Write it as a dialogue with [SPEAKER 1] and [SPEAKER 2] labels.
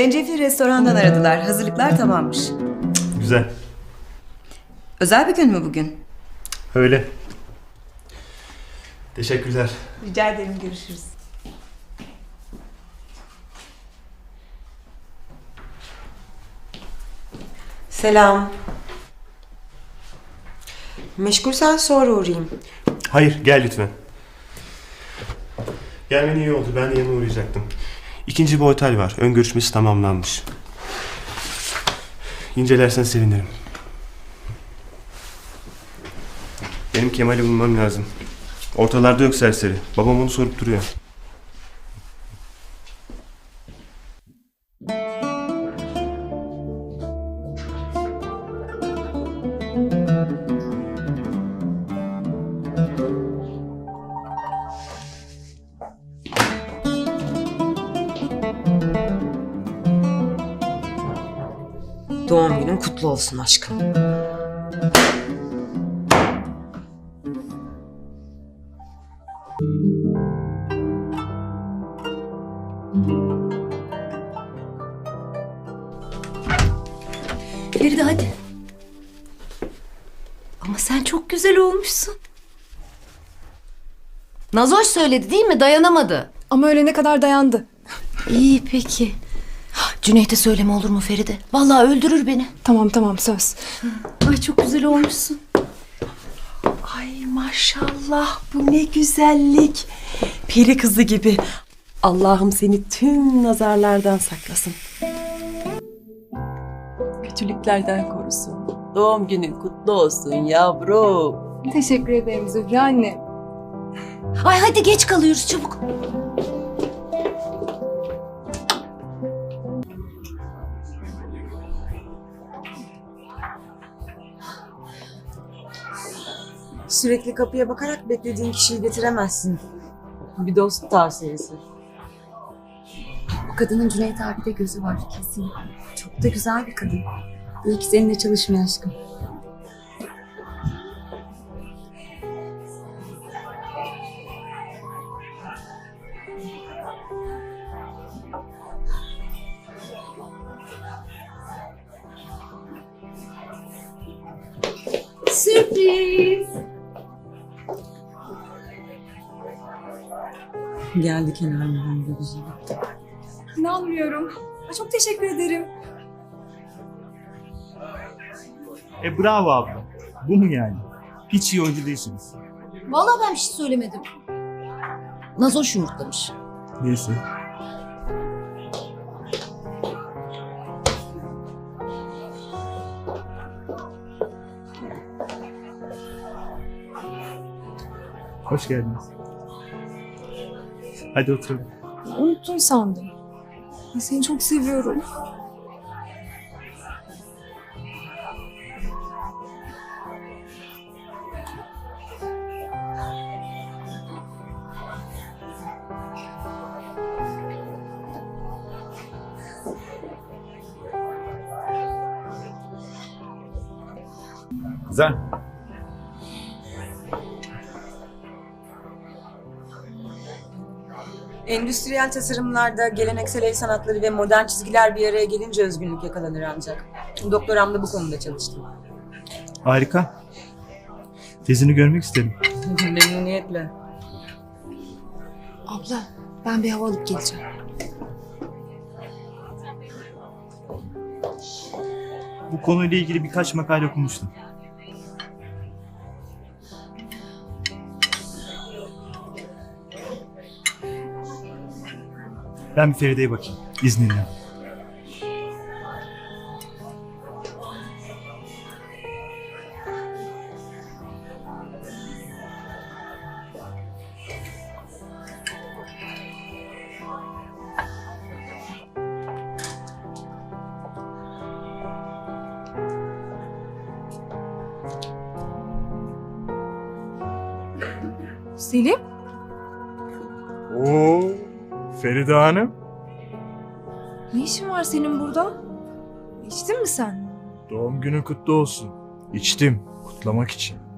[SPEAKER 1] Zencefil restorandan aradılar. Hazırlıklar tamammış.
[SPEAKER 2] Güzel.
[SPEAKER 1] Özel bir gün mü bugün?
[SPEAKER 2] Öyle. Teşekkürler.
[SPEAKER 1] Rica ederim, görüşürüz.
[SPEAKER 3] Selam. Meşgulsen sonra uğrayayım.
[SPEAKER 2] Hayır, gel lütfen. Gelmen iyi oldu. Ben de yanına uğrayacaktım. İkinci bir otel var. Ön görüşmesi tamamlanmış. İncelersen sevinirim. Benim Kemal'i bulmam lazım. Ortalarda yok serseri. Babam onu sorup duruyor.
[SPEAKER 3] Doğum günün kutlu olsun aşkım.
[SPEAKER 4] Feride hadi. Ama sen çok güzel olmuşsun. Nazoş söyledi değil mi? Dayanamadı.
[SPEAKER 5] Ama ölene kadar dayandı.
[SPEAKER 4] İyi peki. Cüneyt'e söyleme olur mu Feride? Vallahi öldürür beni.
[SPEAKER 5] Tamam söz.
[SPEAKER 4] Ay çok güzel olmuşsun.
[SPEAKER 6] Ay maşallah, bu ne güzellik. Peri kızı gibi. Allah'ım seni tüm nazarlardan saklasın. Kötülüklerden korusun. Doğum günün kutlu olsun yavrum.
[SPEAKER 5] Teşekkür ederim Zühre anne.
[SPEAKER 4] Ay hadi geç kalıyoruz çabuk.
[SPEAKER 3] Sürekli kapıya bakarak beklediğin kişiyi getiremezsin. Bir dost tavsiyesi.
[SPEAKER 7] O kadının Cüneyt abi de gözü var kesin. Çok da güzel bir kadın. İyi ki seninle çalışmıyor aşkım.
[SPEAKER 4] Sürpriz.
[SPEAKER 3] Geldi kenarından da güzel.
[SPEAKER 5] İnanmıyorum. Ay, çok teşekkür ederim.
[SPEAKER 8] Bravo abla. Bu mu yani? Hiç iyi oyuncu değilsiniz.
[SPEAKER 4] Vallahi ben bir şey söylemedim. Nazoş yumurtlamış.
[SPEAKER 8] Neyse. Hoş geldiniz. Hadi oturalım.
[SPEAKER 5] Unuttun sandım. Ya, seni çok seviyorum.
[SPEAKER 8] Güzel.
[SPEAKER 3] Endüstriyel tasarımlarda geleneksel el sanatları ve modern çizgiler bir araya gelince özgünlük yakalanır ancak. Doktoramda bu konuda çalıştım.
[SPEAKER 8] Harika. Tezini görmek isterim.
[SPEAKER 3] Memnuniyetle.
[SPEAKER 5] Abla ben bir hava alıp geleceğim.
[SPEAKER 8] Bu konuyla ilgili birkaç makale okumuştum. Ben bir Feride'ye bakayım. İzninle.
[SPEAKER 5] Selim?
[SPEAKER 8] Oo, Feride Hanım.
[SPEAKER 5] Ne işin var senin burada? İçtin mi sen?
[SPEAKER 8] Doğum günün kutlu olsun. İçtim, kutlamak için.